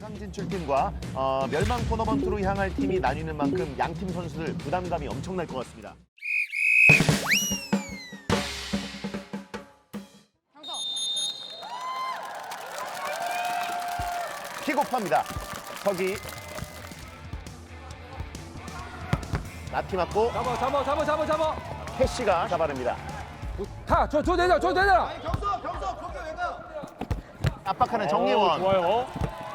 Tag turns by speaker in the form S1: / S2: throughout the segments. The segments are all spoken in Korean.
S1: 4강 진출팀과 멸망 토너먼트로 향할 팀이 나뉘는 만큼 양팀 선수들 부담감이 엄청날 것 같습니다. 킥오프합니다. 서기. 나티 맞고
S2: 잡아.
S1: 캐시가 잡아냅니다.
S2: 가, 저 내자.
S3: 경서 거기 왜 가?
S1: 압박하는 정예원.
S2: 좋아요.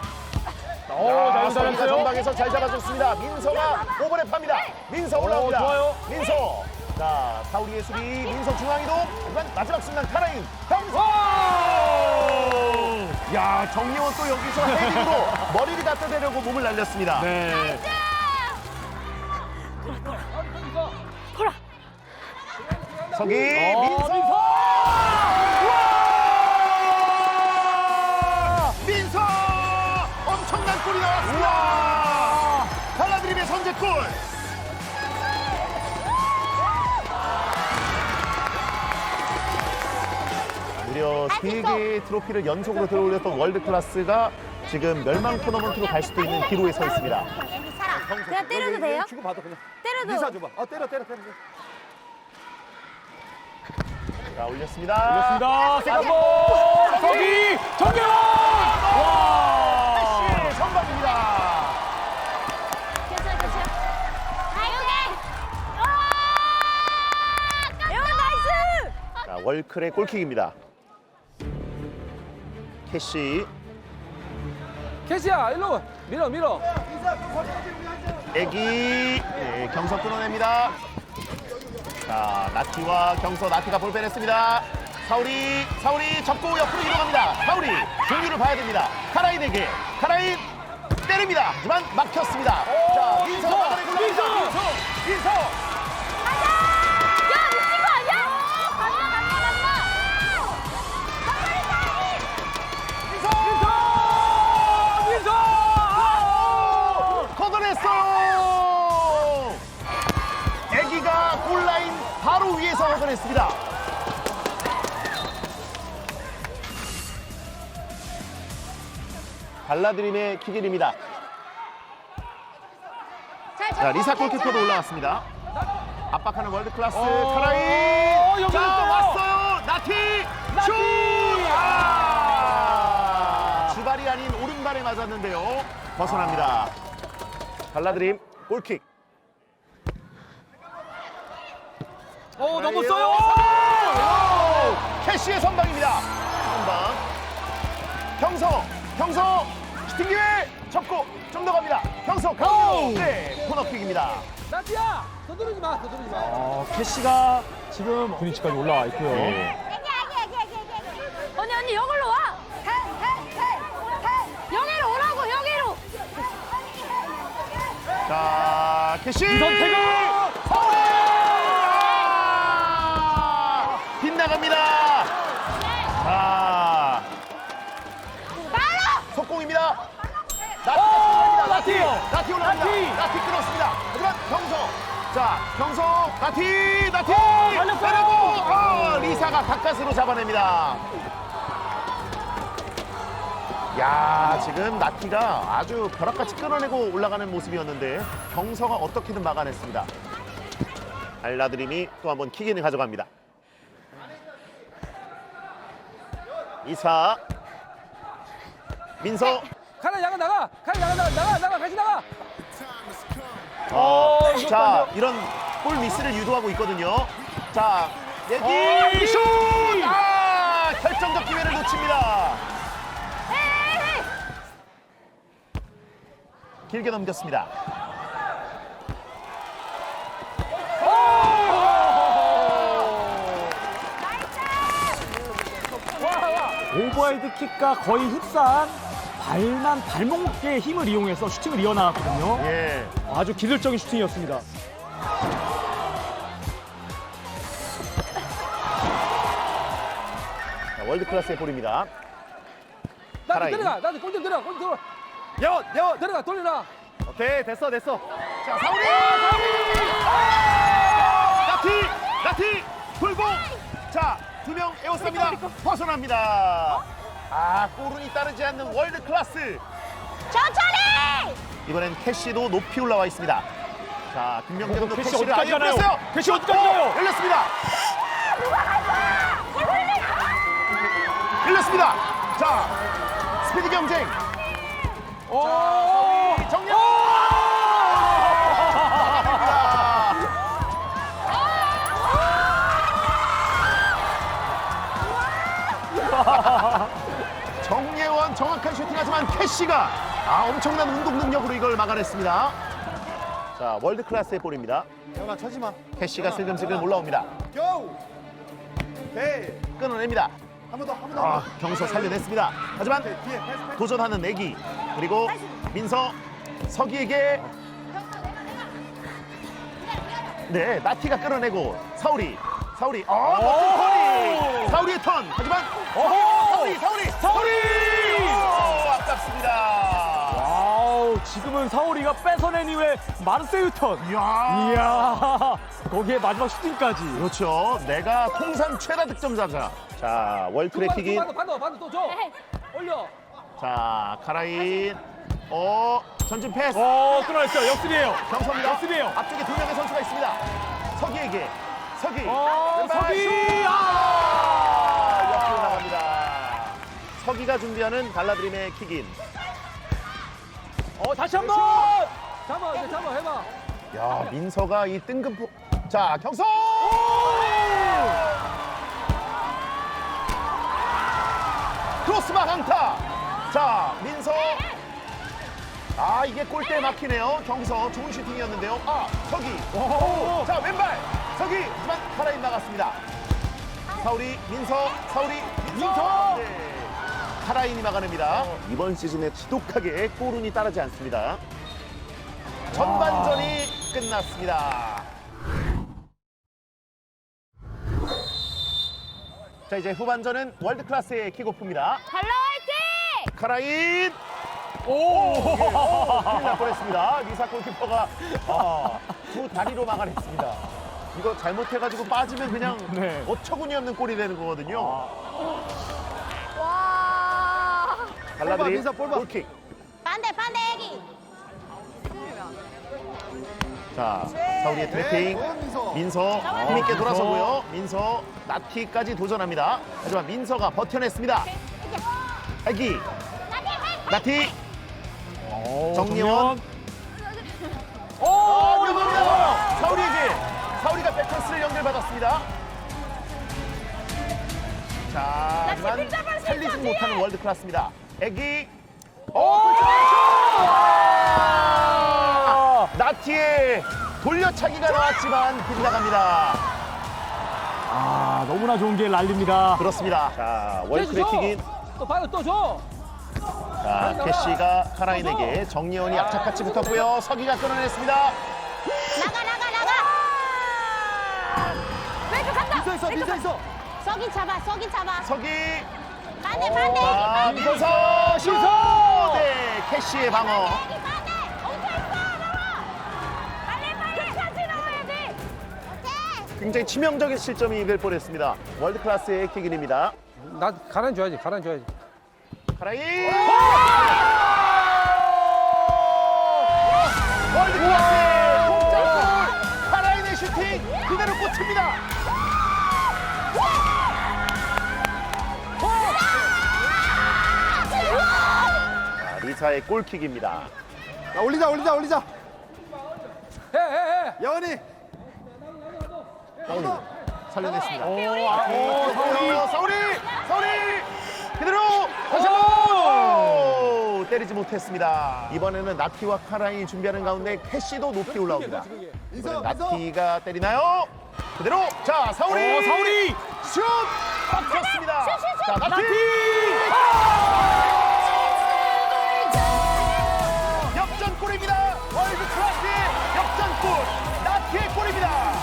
S1: 자, 서기가 전방에서 잘 잡아줬습니다. 민서가 오버랩합니다. 민서 올라옵니다.
S2: 좋아요.
S1: 민서. 자, 사우리의 수비. 민서 중앙이동. 하지만 마지막 순간 카라인. 경서. 야, 정예원 또 여기서 헤딩으로 머리를 갖다 대려고 몸을 날렸습니다.
S2: 네.
S1: 서기. 민서. 민서. 엄청난 골이 나왔습니다. 발라드림의 선제골. 무려 3개의 트로피를 연속으로 들어올렸던 월드클래스가 지금 멸망 토너먼트로 갈 수도 있는 기로에 서 있습니다.
S4: 그냥 때려도 돼요?
S3: 주고 받아 그냥.
S4: 때려도.
S3: 리사 줘봐. 때려.
S1: 자, 올렸습니다.
S2: 세컨볼. 서기 정예원. 와.
S1: 캐시 선방입니다.
S4: 괜찮아. 예원 나이스!
S1: 자, 월클의 골킥입니다. 캐시.
S2: 캐시야, 일로 밀어.
S1: 애기. 네, 경서 끊어냅니다. 자, 나티와 경서. 나티가 볼 빼냈습니다. 사우리 접고 옆으로 이동합니다. 사우리 종류를 봐야 됩니다. 카라인에게. 카라인 때립니다. 하지만 막혔습니다. 자, 민서 막아내고
S2: 민서!
S1: 민서.
S4: 야 미친 거 아니야? 간다.
S2: 민서!
S1: 걷어냈어요. 애기가 골라인 바로 위에서 걷어냈습니다. 발라드림의 킥일입니다. 자, 리사 골키퍼도 올라왔습니다. 압박하는 월드클래스 카라인.
S2: 여기
S1: 자,
S2: 있어요.
S1: 왔어요. 나티. 슛. 주발이 아닌 오른발에 맞았는데요. 벗어납니다. 발라드림 골킥.
S2: 넘었어요.
S1: 캐시의 선방입니다. 선방. 경서 슈팅 기회 접고 좀 더 갑니다. 경서 강력. 네, 코너킥입니다.
S2: 나티야, 서두르지 마.
S5: 캐시가 지금 분위치까지 올라와 있고요.
S4: 언니 여기로 와. 여기로 오라고 여기로.
S1: 자, 캐시.
S2: 이선택은!
S1: 빗나갑니다. 자, 속공입니다. 나티 올라갑니다. 나티 끊었습니다. 하지만 경서. 자, 경서, 나티. 때리고 리사가 가까스로 잡아냅니다. 야, 지금 나티가 아주 벼락같이 끊어내고 올라가는 모습이었는데 경서가 어떻게든 막아냈습니다. 발라드림이 또 한번 킥인을 가져갑니다. 이사. 민서.
S2: 카라 나가. 같이 나가.
S1: 자, 이런 골 미스를 유도하고 있거든요. 자, 내기 슛! 결정적 기회를 놓칩니다. 길게 넘겼습니다.
S5: 오버헤드 킥과 거의 흡사한 발목의 힘을 이용해서 슈팅을 이어나갔거든요.
S1: 예.
S5: 아주 기술적인 슈팅이었습니다.
S1: 자, 월드클래스의 볼입니다.
S2: 나티
S1: 카라인.
S2: 들어가. 나티 골 들어가.
S3: 예원.
S2: 들어가. 돌려놔.
S3: 오케이 됐어.
S1: 자, 사우리! 나티! 돌고! 자, 2명 에워쌉니다. 벗어납니다. 골운이 따르지 않는 월드클래스.
S4: 천천히.
S1: 이번엔 캐시도 높이 올라와 있습니다. 자, 김명재 감독
S5: 캐시
S1: 캐시를
S5: 어디까지
S1: 아예
S5: 가나요?
S1: 풀었어요.
S5: 캐시 어디까지 가요?
S1: 열렸습니다. 열렸습니다. 자, 스피드 경쟁. 자, 정녕. 정예원 정확한 슈팅하지만 캐시가 엄청난 운동 능력으로 이걸 막아냈습니다. 자, 월드 클래스의 볼입니다.
S3: 영아 쳐지 마.
S1: 캐시가 슬금슬금 올라옵니다.
S3: 고! 오케이.
S1: 끊어냅니다.
S3: 한 번 더, 한 번 더.
S1: 경서 살려냈습니다. 하지만
S3: 뒤에 패스.
S1: 도전하는 내기 그리고 민서 서기에게 네 나티가 끌어내고 사우리 멋진 턴이 사우리의 턴 하지만 사우리 아깝습니다.
S5: 와우, 지금은 사오리가 뺏어낸 이후에 마르세유 턴. 이야, 거기에 마지막 슈팅까지.
S1: 그렇죠. 내가 통산 최다 득점자자. 자 월트랙 킥인.
S2: 반도 또 줘. 올려.
S1: 자 카라인 전진 패스.
S5: 끊어냈어요. 역습이에요.
S1: 경서입니다.
S5: 역습이에요.
S1: 앞쪽에 두 명의 선수가 있습니다. 서기에게 서기.
S5: 서기.
S1: 옆으로 나갑니다. 서기가 준비하는 발라드림의 킥인.
S5: 다시 한 번.
S2: 잡아 해봐.
S1: 야 민서가 이 뜬금포. 자 경서. 크로스바 강타. 자 민서. 이게 골대에 막히네요. 경서 좋은 슈팅이었는데요. 서기. 자 왼발 서기. 하지만 카라인 나갔습니다. 사우리 민서. 네. 카라인이 막아냅니다. 이번 시즌에 지독하게 골운이 따르지 않습니다. 전반전이 끝났습니다. 자 이제 후반전은 월드 클래스의 킥오프입니다.
S4: 달라 화이팅.
S1: 카라인. 큰일 날 뻔했습니다. 리사 골키퍼가 두 다리로 막아냈습니다. 이거 잘못해가지고 빠지면 그냥
S5: 네.
S1: 어처구니 없는 골이 되는 거거든요.
S4: 와.
S1: 발라드림
S3: 민서, 볼 봐.
S1: 골킥.
S4: 반대 애기.
S1: 자 사우리의 트래핑.
S3: 민서.
S1: 힘있게 돌아서고요. 민서 나티까지 도전합니다. 하지만 민서가 버텨냈습니다. 애기 나티 정예원. 위험합니다. 사우리가 백패스를 연결받았습니다. 자 하지만 살리지 못하는 월드 클래스입니다. 애기. 나티의 돌려차기가 나왔지만 빗나갑니다.
S5: 너무나 좋은 기회 날립니다.
S1: 그렇습니다. 자 월트랙 킥인.
S2: 또 반도 또 줘.
S1: 자 캐시가 카라인에게 정예원이 악착같이 붙었고요. 서기가 끊어냈습니다.
S4: 나가. 왼쪽 간다.
S3: 민서 있어.
S4: 서기 잡아.
S1: 서기.
S4: 반대
S1: 민서 슛. 네 캐시의 방어.
S4: 반대. 엉켰어. 빨리 같이 나와야지. 오케이.
S1: 굉장히 치명적인 실점이 될 뻔했습니다. 월드 클래스의 킥인입니다.
S2: 나 가란 줘야지.
S1: 카라인. 월드 클래스의 동점골. 카라인의 슈팅 그대로 꽂힙니다. 자, 리사의 골킥입니다.
S3: 자, 올리자.
S2: 해.
S3: 여원이.
S1: 살려냈습니다.
S5: 사오리.
S1: 사우리 그대로 다시 한번 때리지 못했습니다. 이번에는 나티와 카라인이 준비하는 가운데 캐시도 높이 올라옵니다. 이번엔 나티가 때리나요? 그대로 자 사우리 슛 막혔습니다. 자 나티 역전골입니다. 월드 클래스의 역전골 나티의 골입니다.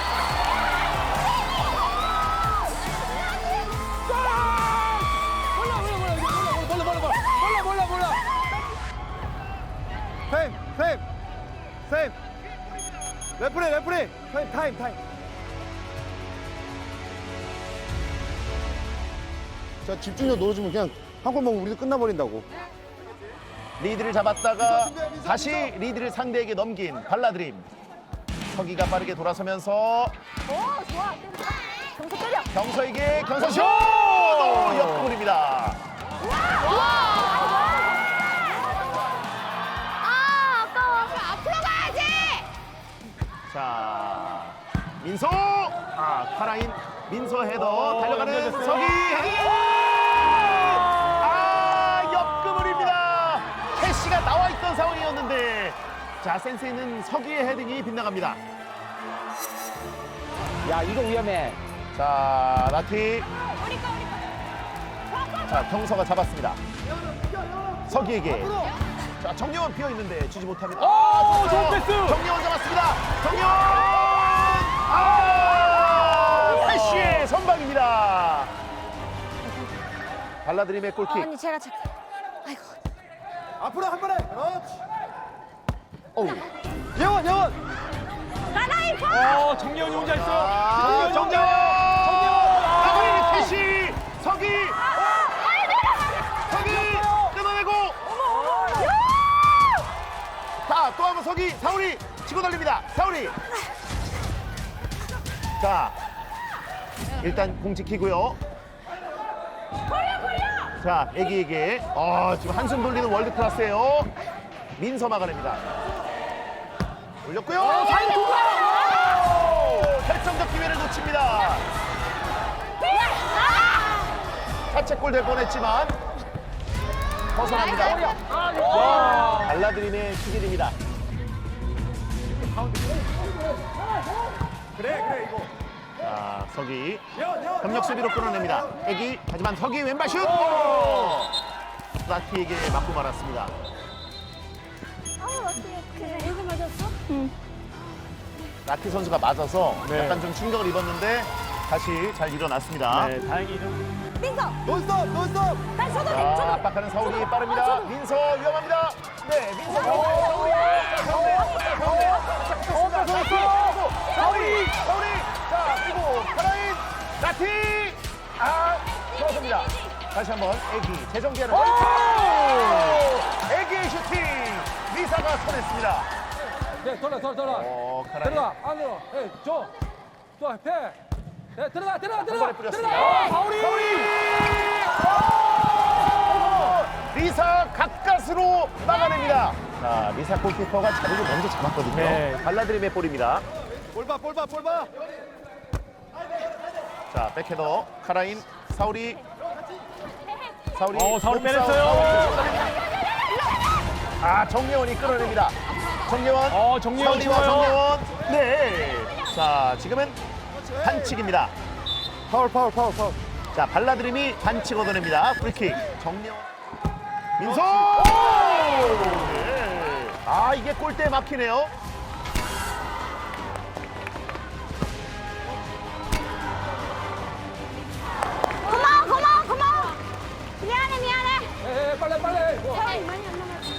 S2: 몰라.
S3: 타임. 레프리. 타임.
S6: 자 집중력 놓아주면 그냥 한 골 먹으면 우리도 끝나버린다고.
S1: 리드를 잡았다가 다시 리드를 상대에게 넘긴 발라드림. 서기가 빠르게 돌아서면서
S4: 오, 좋아. 경서 때려.
S1: 경서에게 경서 슛! 또 옆구리입니다.
S4: 아, 아까워. 앞으로 가야지.
S1: 자, 민서! 카라인 민서 헤더 달려가는 서기 헤더! 옆구리입니다. 캐시가 나와 있던 상황이었는데 자, 센스 있는 서기의 헤딩이 빗나갑니다.
S2: 야, 이거 위험해.
S1: 자, 나티.
S4: 우리 거.
S1: 자, 경서가 잡았습니다. 서기에게. 자, 정려원 비어 있는데 주지 못합니다.
S5: 오, 좋은 패스!
S1: 정려원 잡았습니다. 정려원! 패시의 선방입니다. 발라드림의 골킥.
S4: 언니 제가 착해. 아이고.
S3: 앞으로 한 번에. 그렇지.
S1: 어우.
S3: 예원.
S4: 가나이 파.
S5: 정예원이 혼자 있어요.
S1: 아, 정려원! 정려원! 패시! 서기! 서기! 끊어내고! 자, 또 한 번 서기! 사우리! 치고 달립니다. 사우리! 자, 일단 공 지키고요. 자, 애기에게 지금 한숨 돌리는 월드 클래스예요. 민서 막아냅니다. 올렸고요. 결정적 기회를 놓칩니다. 자책골 될 뻔했지만 벗어납니다. 발라드림의 킥일입니다.
S3: 그래 이거.
S1: 자, 서기
S3: 예원.
S1: 협력 수비로 끌어냅니다. 애기 하지만 서기 왼발 슛! 라티에게 맞고 말았습니다.
S4: 그래. 여기 맞았어?
S1: 라티 선수가 맞아서
S5: 네.
S1: 약간 좀 충격을 입었는데 다시 잘 일어났습니다.
S5: 네, 다행히 좀.
S4: 민서.
S3: 논스톱.
S4: 다시 쳐도 돼.
S1: 자,
S4: 쳐도.
S1: 압박하는 사울이 빠릅니다. 민서 위험합니다. 네, 민서 사울이. 자, 그리고 카라인 라티. 들어섭니다. 다시 한번 애기 재정비하는 애기의 슈팅. 리사가 쳐냈습니다.
S2: 네, 돌아.
S1: 카라인
S2: 들어가, 안으로. 네, 줘. 패. 네, 들어가.
S1: 한 번에 뿌렸습니다. 사울이. 리사 가까스로 막아냅니다. 자, 리사 골키퍼가 자리를 먼저 잡았거든요.
S5: 네.
S1: 발라드림의 볼입니다.
S3: 볼 봐.
S1: 자, 백헤더 카라인 사울이. 사울이
S5: 사울이
S1: 몸싸움.
S5: 빼냈어요.
S1: 정예원이 끌어냅니다. 정예원.
S5: 정예원
S1: 사울이와
S5: 좋아요.
S1: 정예원. 네. 자, 지금은 반칙입니다.
S3: 파울.
S1: 자, 발라드림이 반칙 얻어냅니다. 프리킥. 정예원. 민서! 네. 이게 골대에 막히네요.
S4: 고마워. 미안해.
S2: 네, 빨리.
S4: 사람이 많이 안 남았어.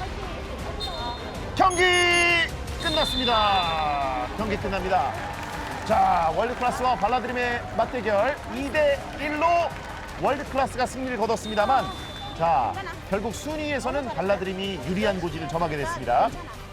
S1: 경기 끝났습니다. 경기 끝납니다. 자, 월드클래스와 발라드림의 맞대결 2대1로 월드클래스가 승리를 거뒀습니다만 자, 결국 순위에서는 발라드림이 유리한 고지를 점하게 됐습니다.